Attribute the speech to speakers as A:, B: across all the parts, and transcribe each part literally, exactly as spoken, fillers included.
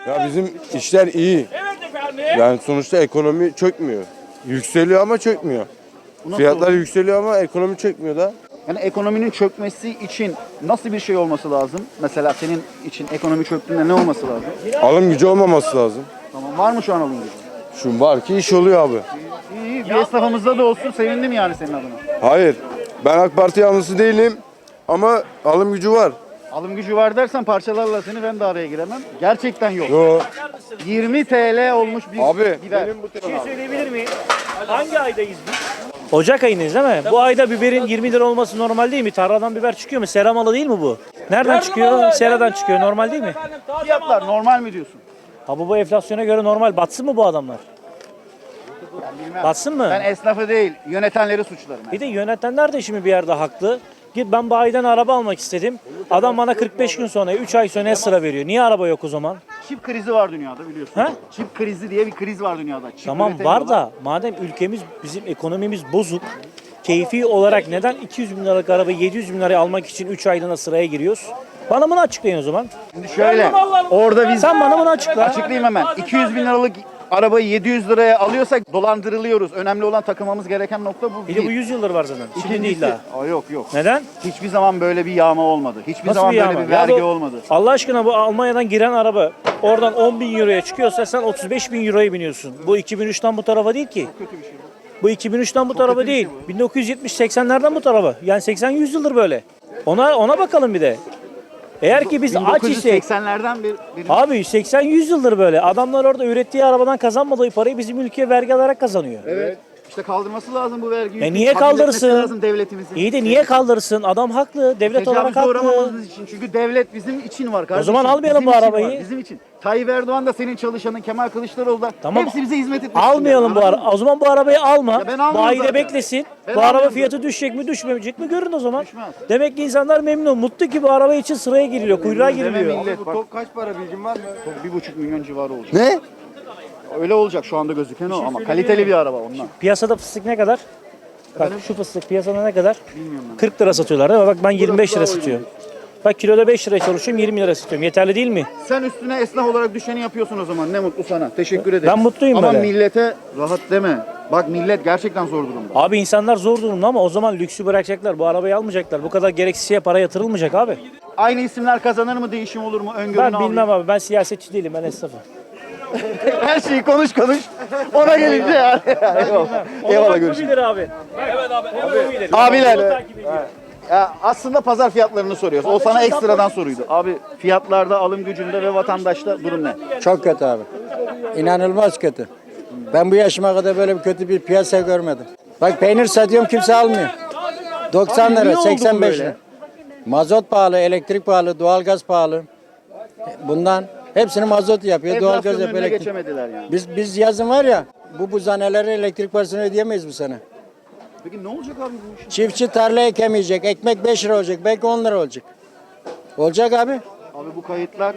A: Ya bizim işler iyi. Yani sonuçta ekonomi çökmüyor. Yükseliyor ama çökmüyor. Fiyatlar yükseliyor ama ekonomi çökmüyor da.
B: Yani ekonominin çökmesi için nasıl bir şey olması lazım? Mesela senin için ekonomi çöktüğünde ne olması lazım?
A: Alım gücü olmaması lazım.
B: Tamam, var mı şu an alım gücü?
A: Şu var ki iş oluyor abi.
B: İyi, iyi. Bir esnafımızda da olsun, sevindim yani senin adına.
A: Hayır. Ben AK Parti yanlısı değilim ama alım gücü var.
B: Alım gücü var dersen parçalarla seni, ben de araya giremem. Gerçekten yok.
A: Yo.
B: yirmi TL olmuş bir
A: Abi
B: biber.
A: benim bu
C: Bir şey söyleyebilir miyim? Hangi aydayız biz? Ocak ayındayız değil mi? Bu ayda biberin yirmi lira olması normal değil mi? Tarladan biber çıkıyor mu? Seramalı değil mi bu? Nereden çıkıyor? Seradan çıkıyor. Normal değil mi?
B: Fiyatlar normal mi diyorsun?
C: Ha bu, bu enflasyona göre normal. Batsın mı bu adamlar?
B: Bilmem.
C: Batsın mı?
B: Ben esnafı değil, yönetenleri suçlarım.
C: Bir de yönetenler de şimdi bir yerde haklı. Git ben bayiden araba almak istedim. Adam bana kırk beş gün sonra, üç ay sonra sıra veriyor. Niye araba yok o zaman?
B: Çip krizi var dünyada, biliyorsun.
C: Ha?
B: Çip krizi diye bir kriz var dünyada. Çip
C: Tamam var
B: üretemiyorlar.
C: da madem ülkemiz, bizim ekonomimiz bozuk. Keyfi olarak neden iki yüz bin liralık arabayı yedi yüz bin liraya almak için üç aylığına sıraya giriyoruz? Bana bunu açıklayın o zaman.
B: Şimdi şöyle, orada biz...
C: Sen bana bunu açıkla.
B: Açıklayayım hemen. iki yüz bin liralık arabayı yedi yüz liraya alıyorsak dolandırılıyoruz. Önemli olan takılmamız gereken nokta bu.
C: Bir de bu yüz yıldır var zaten. Şimdi değil daha.
B: Aa, yok yok.
C: Neden?
B: Hiçbir zaman böyle bir yağma olmadı. Hiçbir
C: Nasıl
B: zaman
C: bir
B: böyle
C: yağma?
B: bir
C: Ya
B: vergi
C: bu-
B: olmadı.
C: Allah aşkına bu Almanya'dan giren araba oradan on bin euroya çıkıyorsa sen otuz beş bin euroya biniyorsun. Bu iki bin üçten bu tarafa değil ki.
B: Kötü bir şey bu.
C: Bu iki bin üçten bu tarafa
B: kötü bir
C: değil.
B: şey bu.
C: bin dokuz yüz yetmiş seksenlerden bu tarafa. Yani seksen yüz yıldır böyle. Ona ona bakalım bir de. Eğer ki biz aç isek,
B: bin dokuz yüz seksenlerden bir, bir
C: abi seksen yüz yıldır böyle. Adamlar orada ürettiği arabadan kazanmadığı parayı bizim ülkeye vergi alarak kazanıyor.
B: Evet. İşte kaldırması lazım bu vergiyi.
C: E niye
B: Kabul etmesi
C: kaldırsın?
B: lazım devletimizin.
C: İyi de niye kaldırsın? Adam haklı. Devlet olarak
B: Tecavüze
C: haklı.
B: uğramamamız için. Çünkü devlet bizim için var kardeşim.
C: zaman almayalım
B: Bizim
C: bu
B: için
C: arabayı.
B: var, bizim için. Tayyip Erdoğan da senin çalışanın, Kemal Kılıçdaroğlu da.
C: Tamam.
B: Hepsi bize hizmet etmek
C: Almayalım bu
B: için.
C: ara. O zaman bu arabayı alma.
B: Ya ben almıyorum
C: Bayide
B: zaten.
C: beklesin.
B: Ben
C: bu araba
B: almıyorum
C: fiyatı düşecek mi düşmeyecek mi görün o zaman.
B: Düşmez.
C: Demek ki insanlar memnun. Mutlu ki bu araba için sıraya giriliyor. Kuyruğa
B: Deme
C: giriliyor.
B: millet bak.
A: Kaç para bilgin var mı?
B: Bir buçuk milyon civarı olacak.
A: Ne?
B: Öyle olacak şu anda gözüken o ama kaliteli bir araba ondan.
C: Piyasada fıstık ne kadar? Bak şu fıstık piyasada ne kadar?
B: Bilmiyorum ben.
C: kırk lira satıyorlar değil mi? Bak ben yirmi beş lira satıyorum. Bak kiloda beş liraya çalışıyorum, yirmi lira satıyorum. Yeterli değil mi?
B: Sen üstüne esnaf olarak düşeni yapıyorsun o zaman. Ne mutlu sana. Teşekkür ederim.
C: Ben mutluyum
B: ama
C: böyle.
B: millete rahat deme. Bak millet gerçekten zor durumda.
C: Abi insanlar zor durumda ama o zaman lüksü bırakacaklar. Bu arabayı almayacaklar. Bu kadar gereksiz şeye para yatırılmayacak abi.
B: Aynı isimler kazanır mı, değişim olur mu? Öngörünü
C: Ben bilmem abi. Ben siyasetçi değilim. Ben esnafım.
B: Her şeyi konuş konuş. Ona gelince yani. Eyvallah. Eyvallah görüşürüz.
C: Bilir abi. Evet abi. abi.
B: Abiler. Ya aslında pazar fiyatlarını soruyoruz. O sana ekstradan soruydu. Abi fiyatlarda, alım gücünde ve vatandaşta durum ne?
D: Çok kötü abi. İnanılmaz kötü. Ben bu yaşıma kadar böyle bir kötü bir piyasa görmedim. Bak peynir satıyorum kimse almıyor. doksan
B: Abi niye
D: lira,
B: oldu bu
D: seksen beş
B: böyle?
D: lira. Mazot pahalı, elektrik pahalı, doğalgaz pahalı. Bundan hepsini mazot yapıyor, doğalgaz
B: Enflasyonun
D: yapıyor.
B: önüne
D: elektrik.
B: geçemediler yani.
D: Biz biz yazın var ya, bu buzaneleri elektrik parasını ödeyemeyiz bu sene.
B: Peki ne olacak abi bu işin?
D: Çiftçi tarla ekemeyecek, ekmek beş lira olacak, belki on lira olacak. Olacak abi.
B: Abi bu kayıtlar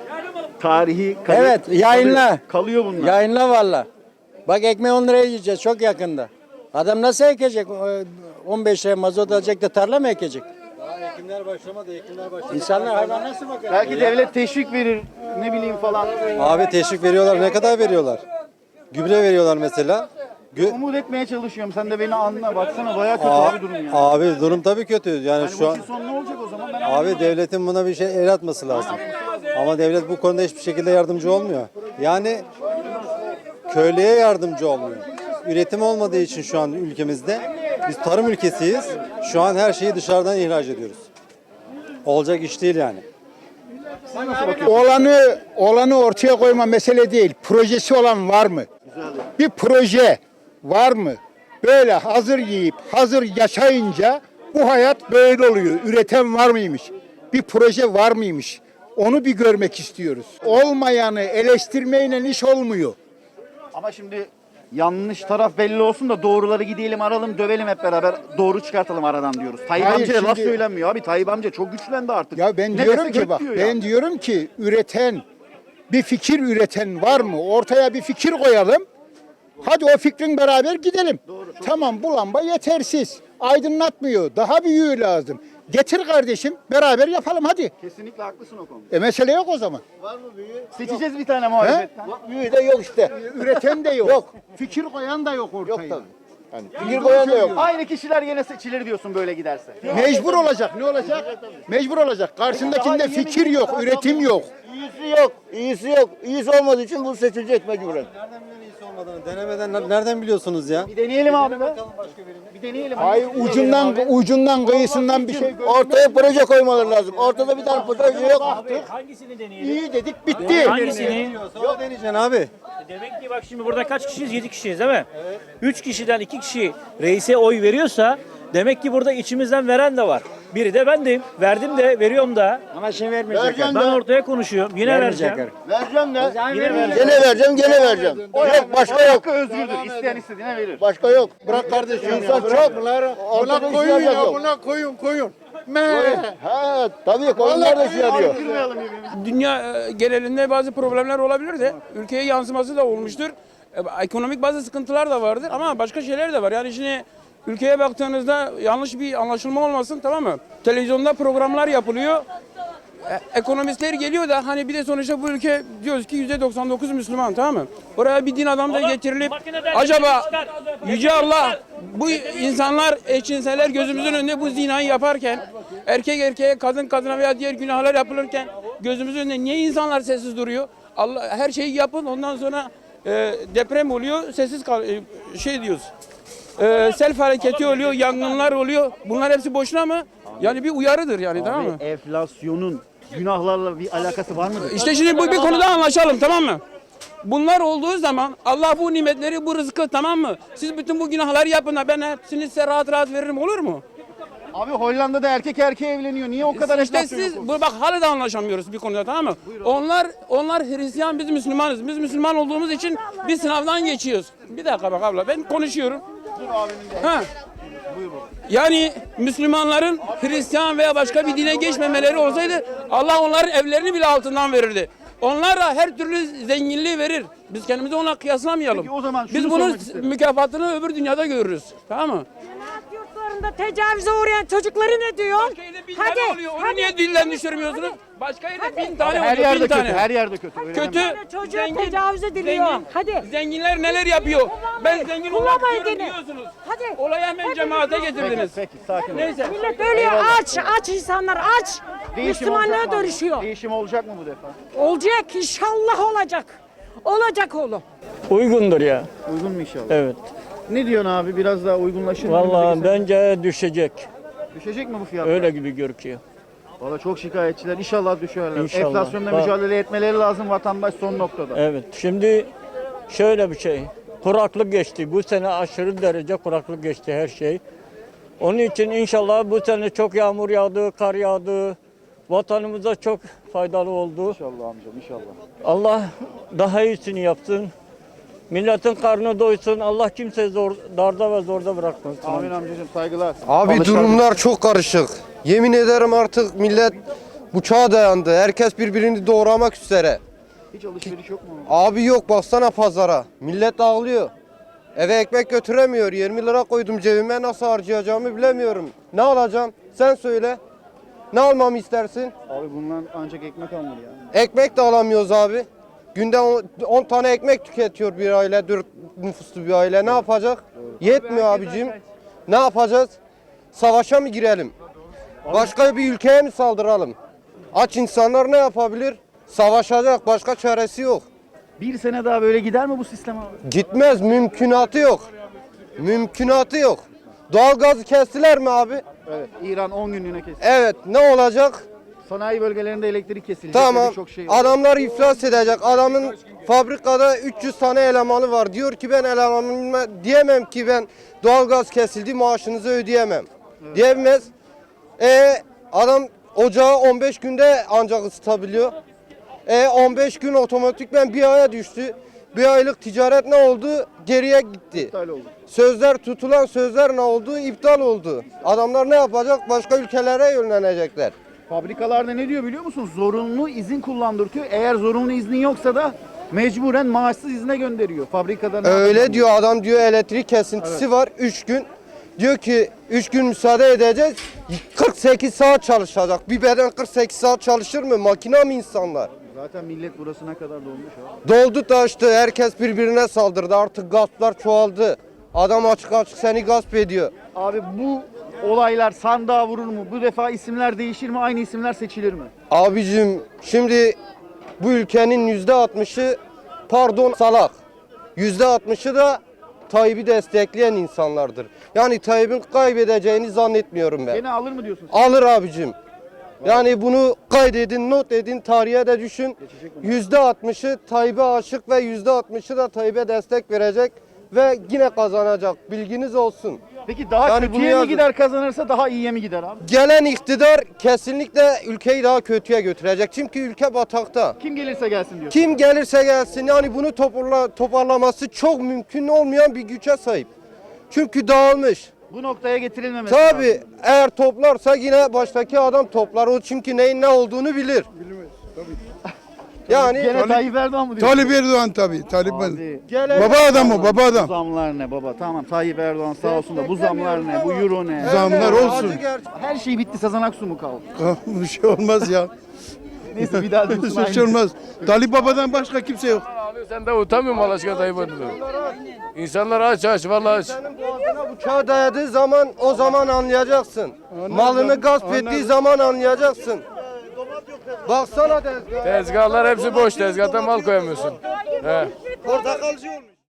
B: tarihi kayıt.
D: Evet, yayınla.
B: Kalıyor, kalıyor bunlar.
D: Yayınla valla. Bak ekmeği on liraya yiyeceğiz çok yakında. Adam nasıl ekecek? on beş liraya mazot alacak da tarla mı ekecek? Daha ekimler başlamadı, ekimler başlamadı. İnsanlar hayvan nasıl bakar?
B: Belki devlet teşvik verir, ne bileyim falan.
E: Abi teşvik veriyorlar. Ne kadar veriyorlar? Gübre veriyorlar mesela. Gü-
B: Umut etmeye çalışıyorum. Sen de beni anla. Baksana bayağı kötü
E: Aa,
B: abi durum yani.
E: Abi durum tabii kötü. Yani
B: Yani
E: şu
B: bu
E: an
B: işin sonu ne olacak o zaman? Ben
E: abi
B: anlamadım.
E: devletin buna bir şey el atması lazım. Ama devlet bu konuda hiçbir şekilde yardımcı olmuyor. Yani köylüye yardımcı olmuyor. Üretim olmadığı için şu an ülkemizde biz tarım ülkesiyiz. Şu an her şeyi dışarıdan ihraç ediyoruz. Olacak iş değil yani.
F: Olanı olanı ortaya koyma mesele değil. Projesi olan var mı? Bir proje var mı? Böyle hazır yiyip hazır yaşayınca bu hayat böyle oluyor. Üreten var mıymış? Bir proje var mıymış? Onu bir görmek istiyoruz. Olmayanı eleştirmeyle iş olmuyor.
B: Ama şimdi yanlış taraf belli olsun da doğruları gidelim aralım dövelim hep beraber doğru çıkartalım aradan diyoruz. Tayyip
F: Hayır,
B: amcaya laf
F: şimdi-
B: söylenmiyor abi. Tayyip amca çok güçlendi artık.
F: Ya ben
B: Ne
F: diyorum
B: dese
F: ki
B: gök
F: bak
B: diyor
F: ben
B: ya.
F: diyorum ki üreten bir fikir üreten var mı? Ortaya bir fikir koyalım. Hadi o fikrin beraber gidelim. Tamam bu lamba yetersiz. Aydınlatmıyor. Daha büyüğü lazım. Getir kardeşim beraber yapalım hadi.
B: Kesinlikle haklısın o konuda.
F: E mesele yok o zaman.
B: Seçeceğiz bir tane muhalefetten.
F: Büyüğü de yok işte. Üreten de yok. Yok. Fikir koyan da yok ortaya. Yok tabii.
B: Fikir koyan da yok. Aynı kişiler yine seçilir diyorsun böyle giderse.
F: Mecbur olacak. Ne olacak? Mecbur olacak. Karşındakinde fikir yok, üretim yok.
G: İyisi yok, iyisi yok. İyisi olmadığı için bu seçilecek mecburen.
E: Nereden bilen iyisi olmadığını? Denemeden ner- nereden biliyorsunuz ya?
B: Bir deneyelim abi be. Bir deneyelim.
F: Ay ucundan ucundan kıyısından bir şey gör.
G: Ortaya proje koymaları lazım. Ortada bir tane proje yok.
C: Hangisini deneyelim?
F: İyi dedik bitti.
C: Hangisini?
E: Yok deneyeceksin abi.
C: Demek ki bak şimdi burada kaç kişiyiz? yedi kişiyiz değil mi? Evet. üç kişiden iki kişi reise oy veriyorsa demek ki burada içimizden veren de var. Biri de bendim. Verdim de veriyorum da.
D: Ama şimdi vermeyecekler.
C: Ben ortaya konuşuyorum. Yine vereceğim.
G: Vereceğim de.
C: Yine vereceğim.
G: Gene vereceğim, gene vereceğim. Yok, başka yok.
B: Hakkı özgürdür. İsteyen istediğine verir.
G: Başka yok.
E: Bırak kardeşim.
G: İnsan çok. Ortada koyun ya, buna
E: koyun koyun.
G: Ha, tabii koyunlar da şey arıyor.
H: Dünya e, genelinde bazı problemler olabilir de ülkeye yansıması da olmuştur. E, Ekonomik bazı sıkıntılar da vardır ama başka şeyler de var. Yani şimdi ülkeye baktığınızda yanlış bir anlaşılma olmasın, tamam mı? Televizyonda programlar yapılıyor. E, Ekonomistler geliyor da hani bir de sonuçta bu ülke diyoruz ki yüzde doksan dokuz Müslüman, tamam mı? Oraya bir din adamı da getirilip acaba Yüce Allah bu insanlar eşcinseller gözümüzün önünde bu zinayı yaparken, erkek erkeğe, kadın kadına veya diğer günahlar yapılırken gözümüzün önünde niye insanlar sessiz duruyor? Allah her şeyi yapın, ondan sonra e, deprem oluyor, sessiz kal e, şey diyoruz. E, sel hareketi oluyor, yangınlar oluyor. Bunlar hepsi boşuna mı? Yani bir uyarıdır yani, tamam mı?
B: Enflasyonun günahlarla bir alakası var mıdır?
H: İşte şimdi bu bir konuda anlaşalım, tamam mı? Bunlar olduğu zaman Allah bu nimetleri, bu rızkı, tamam mı? Siz bütün bu günahları yapın da ben hepsini size rahat rahat veririm, olur mu?
B: Abi Hollanda'da erkek erkeğe evleniyor. Niye o kadar
H: İşte
B: enflasyon
H: siz
B: yok?
H: bu bak hala da anlaşamıyoruz bir konuda, tamam mı? Onlar onlar Hristiyan, biz Müslümanız. Biz Müslüman olduğumuz için bir sınavdan geçiyoruz. Bir dakika bak abla, ben konuşuyorum. Ha. Yani Müslümanların Hristiyan veya başka bir dine geçmemeleri olsaydı Allah onların evlerini bile altından verirdi. Onlara her türlü zenginliği verir. Biz kendimizi ona kıyaslamayalım.
B: Peki o zaman şunu
H: Biz bunun
B: sormak isterim.
H: mükafatını öbür dünyada görürüz. Tamam mı?
I: Cennet yurtlarında tecavüze uğrayan çocukları ne diyor?
H: Başka yerde bin tane oluyor. Onu niye dilden düşürmüyorsunuz? Başka yerde bin tane
B: Her
H: oluyor.
B: yerde
H: Bin
B: kötü.
H: tane.
B: Her yerde kötü. Öyle
H: Kötü.
B: deme.
I: Çocuğa tecavüz ediliyor. Hadi.
H: Zenginler neler yapıyor? Ben
I: Kullanmayın.
H: zengin olmak
I: Kullanmayın
H: istiyorum
I: dini.
H: diyorsunuz.
I: Hadi.
H: Olayı hemen
I: Hepimiz
H: cemaate
I: kullanmayın.
H: getirdiniz.
B: Peki sakin ol.
H: Neyse.
I: Millet ölüyor aç. Aç insanlar aç.
B: Değişim
I: Müslümanlığa
B: olacak mı abi?
I: dönüşüyor.
B: Değişim olacak mı bu defa?
I: Olacak inşallah olacak. Olacak oğlum.
J: Uygundur ya.
B: Uygun mu inşallah?
J: Evet.
B: Ne diyorsun abi? Biraz daha uygunlaşır mı?
J: Vallahi
B: Önümüzdeki
J: bence düşecek.
B: sene? Düşecek mi bu fiyatlar?
J: Öyle gibi görünüyor.
B: Valla çok şikayetçiler. İnşallah düşerler.
J: İnşallah.
B: Enflasyonla
J: Bak-
B: mücadele etmeleri lazım, vatandaş son noktada.
J: Evet. Şimdi şöyle bir şey. Kuraklık geçti. Bu sene aşırı derece kuraklık geçti her şey. Onun için inşallah bu sene çok yağmur yağdı, kar yağdı. Vatanımıza çok faydalı oldu.
B: İnşallah amcam inşallah.
J: Allah daha iyisini yapsın. Milletin karnı doysun. Allah kimseyi zor, darda ve zorda bırakmasın.
B: Amin amcacığım saygılar.
A: Abi
B: Alışlar-
A: durumlar çok karışık. Yemin ederim artık millet bıçağa dayandı. Herkes birbirini doğramak üzere.
B: Hiç alışveriş yok mu?
A: Abi yok baksana pazara. Millet ağlıyor. Eve ekmek götüremiyor. yirmi lira koydum cebime, nasıl harcayacağımı bilemiyorum. Ne alacağım? Sen söyle. Ne almamı istersin?
B: Abi bundan ancak ekmek alınır ya.
A: Ekmek de alamıyoruz abi. Günde on tane ekmek tüketiyor bir aile, dört nüfuslu bir aile. Ne yapacak? Yetmiyor abicim. Ne yapacağız? Savaşa mı girelim? Başka bir ülkeye mi saldıralım? Aç insanlar ne yapabilir? Savaşacak. Başka çaresi yok.
B: Bir sene daha böyle gider mi bu sistem abi?
A: Gitmez. Mümkünatı yok. Mümkünatı yok. Doğalgazı kestiler mi abi?
B: Evet. İran on günlüğüne kesin.
A: Evet. Ne olacak?
B: Sanayi bölgelerinde elektrik kesilecek.
A: Tamam.
B: Çok şey var.
A: Adamlar iflas edecek. Adamın fabrikada üç yüz tane elemanı var. Diyor ki ben elemanıma diyemem ki ben doğalgaz kesildi maaşınızı ödeyemem. Diyemez. E adam ocağı on beş günde ancak ısıtabiliyor. E on beş gün otomatikmen bir aya düştü. Bir aylık ticaret ne oldu? Geriye gitti.
B: İptal oldu.
A: Sözler tutulan sözler ne oldu? İptal oldu. Adamlar ne yapacak? Başka ülkelere yönlenecekler.
B: Fabrikalarda ne diyor biliyor musun? Zorunlu izin kullandırtıyor. Eğer zorunlu iznin yoksa da mecburen maaşsız izne gönderiyor. Fabrikada ne
A: Öyle
B: yapacağım?
A: diyor adam, diyor elektrik kesintisi var üç gün. Diyor ki üç gün müsaade edeceğiz. kırk kırk sekiz saat çalışacak. Bir beden kırk sekiz saat çalışır mı? Makina mı insanlar?
B: Zaten millet burasına kadar dolmuş abi.
A: Doldu taştı. Herkes birbirine saldırdı. Artık gasplar çoğaldı. Adam açık açık seni gasp ediyor.
B: Abi bu olaylar sandığa vurur mu? Bu defa isimler değişir mi? Aynı isimler seçilir mi?
A: Abicim şimdi bu ülkenin yüzde altmışı pardon salak. Yüzde altmışı da Tayyip'i destekleyen insanlardır. Yani Tayyip'in kaybedeceğini zannetmiyorum ben.
B: Gene alır mı diyorsun?
A: Alır abicim. Yani bunu kaydedin, not edin, tarihe de düşün. Yüzde altmışı Tayyip'e aşık ve yüzde altmışı da Tayyip'e destek verecek ve yine kazanacak. Bilginiz olsun.
B: Peki daha
A: Yani bunu
B: kötüye mi
A: yazın.
B: gider kazanırsa daha iyiye mi gider abi?
A: Gelen iktidar kesinlikle ülkeyi daha kötüye götürecek. Çünkü ülke batakta.
B: Kim gelirse gelsin diyorsun.
A: Kim gelirse gelsin yani bunu toparla, toparlaması çok mümkün olmayan bir güce sahip. Çünkü dağılmış.
B: Bu noktaya getirilmemesi lazım.
A: Tabii eğer toplarsa yine baştaki adam toplar. O çünkü neyin ne olduğunu bilir. Yani
B: Gene Tayyip Erdoğan mı diyorsun?
F: Talip Erdoğan tabii. Talip
B: Abi,
A: gelen-
F: Baba adam o, baba
B: bu
F: adam.
B: zamlar ne baba? Tamam Tayyip Erdoğan sağ olsun da bu zamlar ne? Bu euro ne?
F: Zamlar
A: Evet,
F: olsun.
A: acı gerçek.
B: Her şey bitti, Sezen Aksu mu kaldı?
F: Bir şey olmaz ya.
B: Neyse bir daha diyorsun
F: Bir şey olmaz. Talip babadan başka kimse yok.
K: Sen de utanmıyor musun Allah aşkına Tayyip Erdoğan? İnsanlar aç aç vallahi aç.
A: Senin boğazına bıçağı dayadığı zaman o zaman anlayacaksın. Malını gasp ettiği zaman anlayacaksın. Baksana tezgaha.
K: Tezgahlar hepsi boş. Tezgahta mal koyamıyorsun. He.
A: Portakalcı olmuş.